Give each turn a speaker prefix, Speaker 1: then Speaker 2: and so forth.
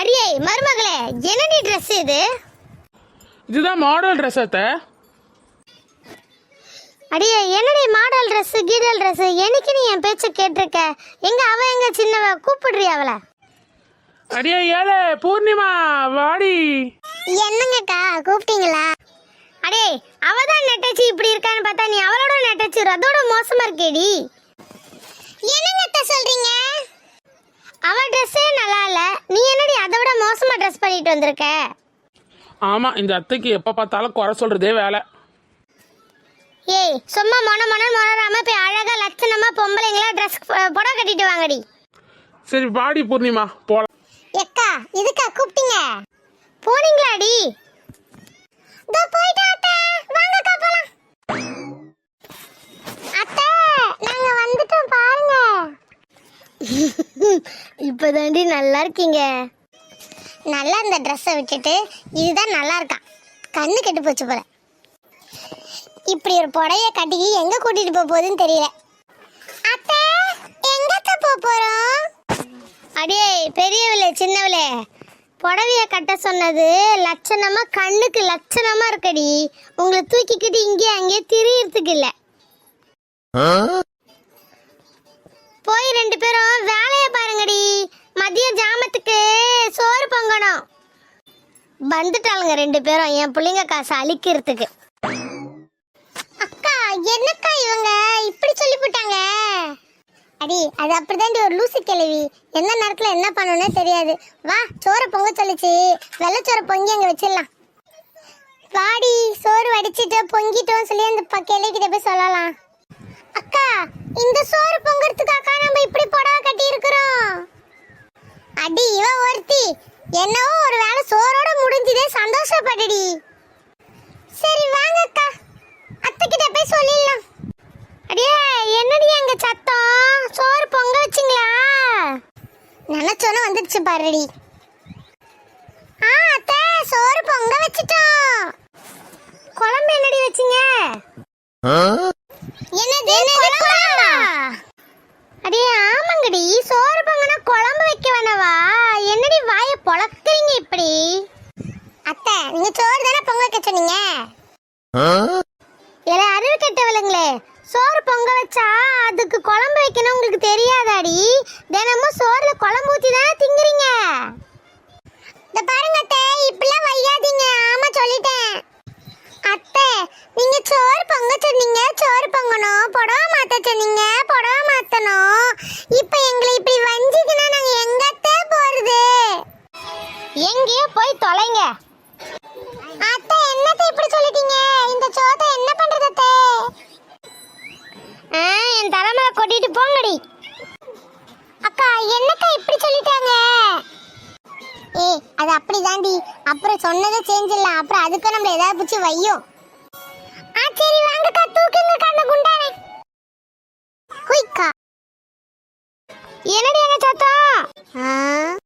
Speaker 1: அடியே மருமகளே, என்னடி ட்ரெஸ் இது?
Speaker 2: இதுதான் மாடல் ட்ரெஸ் அத்தை.
Speaker 1: அடியே என்னடி மாடல் ட்ரெஸ் கீடல் ட்ரெஸ்? எனக்கு நீ என் பேச்ச கேட்டிருக்க. எங்க அவ எங்க சின்னவ? கூப்பிடுறி அவளை.
Speaker 2: அடியே ஏழை பூர்ணிமா வாடி.
Speaker 1: என்னங்கக்கா கூப்பிட்டீங்களா? அடே அவதான் நெட்டச்சி இப்படி இருக்கான்னு பார்த்தா நீ அவளோட நெட்டச்சி அதோட மோசமா இருக்கேடி. என்னங்க சொல்றீங்க? அவ ட்ரெஸ்ஸே நல்லா இல்ல, நீ என்னடி அதை விட மோசமா ட்ரெஸ் பண்ணிட்டு வந்திருக்க?
Speaker 2: ஆமா, இந்த அத்தைக்கு எப்ப பார்த்தாலும் குறை சொல்றதே வேலை.
Speaker 1: ஏய் சும்மா மொனராம போய் அழகா லட்சணமா பொம்பளைங்களா ட்ரெஸ் புடவை கட்டிட்டு வாங்கடி.
Speaker 2: சரி வாடி பூர்ணிமா போலாம்.
Speaker 1: எக்கா இதுக்கா கூப்பிட்டீங்க? போனீங்களாடி? தோ போய்டா அத்தை. வாங்கக்கா போலாம். அத்தை நாங்க வந்துட்டோம் பாருங்க. இப்பதாண்டி நல்லா இருக்கீங்க. நல்லா இந்த ட்ரெஸ்ஸை விட்டுட்டு இதுதான் நல்லா இருக்கான். கண்ணு கெட்டு போச்சு போல. இப்படி ஒரு புடவைய கட்டி எங்க கூட்டிட்டு போகுதுன்னு தெரியல. அத்தை எங்கத்த போறோம்? அடியே பெரியவளே சின்னவளே, புடவைய கட்ட சொன்னது லட்சணமா கண்ணுக்கு லட்சணமா இருக்கடி. உங்களை தூக்கிக்கிட்டு இங்கே அங்கே திரியறதுக்கு இல்ல. போய் ரெண்டு பேரும் வேலைய பாருங்கடி. மதிய ஜாமத்துக்கு சோறு பொங்கணும். வந்துட்டாளுங்க ரெண்டு பேரும் என் பிள்ளைங்க காசை அழிக்கிறதுக்கு. அக்கா என்னக்கா இவங்க இப்படி சொல்லி போட்டாங்க? அடி அது அப்படிதாண்டி ஒரு லூசி கிழவி. எந்த நேரத்துல என்ன பண்ணணும்னே தெரியாது. வா சோறு பொங்க சொல்லிச்சு, வெள்ளச்சோறு பொங்கி அங்க வச்சிடலாம். வாடி சோறு வடிச்சிட்டு பொங்கிட்டோம் சொல்லி அந்த கிழவிக்கிட்ட போய் சொல்லலாம். அக்கா இந்த சோறு பொங்கறதுக்காக நம்ம இப்படி புடவை கட்டி இருக்கிறோம். அடி இவ ஒருத்தி என்னவோ ஒரு வேளை சோறோட முடிஞ்சதே சந்தோஷப்பட்டுடி. சரி வாங்க அக்கா, அத்தை கிட்ட போய் சொல்லிடலாம். அடியே என்னடி எங்க சத்தம்? சோறு பொங்க வச்சிங்களா? நினைச்சோன்னு வந்துடுச்சு பாருடி. அத்தை சோறு பொங்க வச்சிட்டோம். குழம்பு என்னடி வச்சிங்க? என்னது குழம்பா? அடியே ஆமாங்கடி, சோறு பொங்கனா குழம்பு வைக்க வேணவா? என்னடி வாயை பொளக்குறீங்க இப்படி? அத்தை நீங்க சோறு தானே பொங்க வைக்க சொன்னீங்க. ஏலே அறிவு கெட்டவளுங்களே, சோறு பொங்க வச்சா அதுக்கு குழம்பு வைக்கணும் உங்களுக்கு தெரியாதாடி? தினமும் சோறுல குழம்பு ஊத்தி தானே திங்குறீங்க. இந்த பாருங்க அத்தை இப்படிலாம் வையாதீங்க. ஆமா சொல்லிட்டேன். அத்தை நீங்க சோறு பொங்க சொன்னீங்க, சோறு பொங்கணும். புடவை மாத்த சொன்னீங்க, புடவை மாத்தணும். இப்ப எங்களை இப்படி வஞ்சிக்கினா நாங்க எங்கத்தே போறது? எங்கேயோ போய் தொலைங்க. அத்தை என்னத்தை இப்படி சொல்லிட்டீங்க? இந்த சோத்தை என்ன பண்றது அத்தை? என் தலைமையில கொட்டிட்டு போங்கடி. அக்கா என்னக்கா இப்படி சொல்லிட்டாங்க? ஏய் அது அப்படிதாண்டி, அப்புறம் சொன்னதை செஞ்சிடலாம். அப்புறம் அதுக்கு நம்ம ஏதாவது பிடிச்சி வையும். சரி வாங்கக்கா தூக்குங்க கண்ண குண்டானே. ஹுய்க்கா என்னடி எங்க சத்தம்?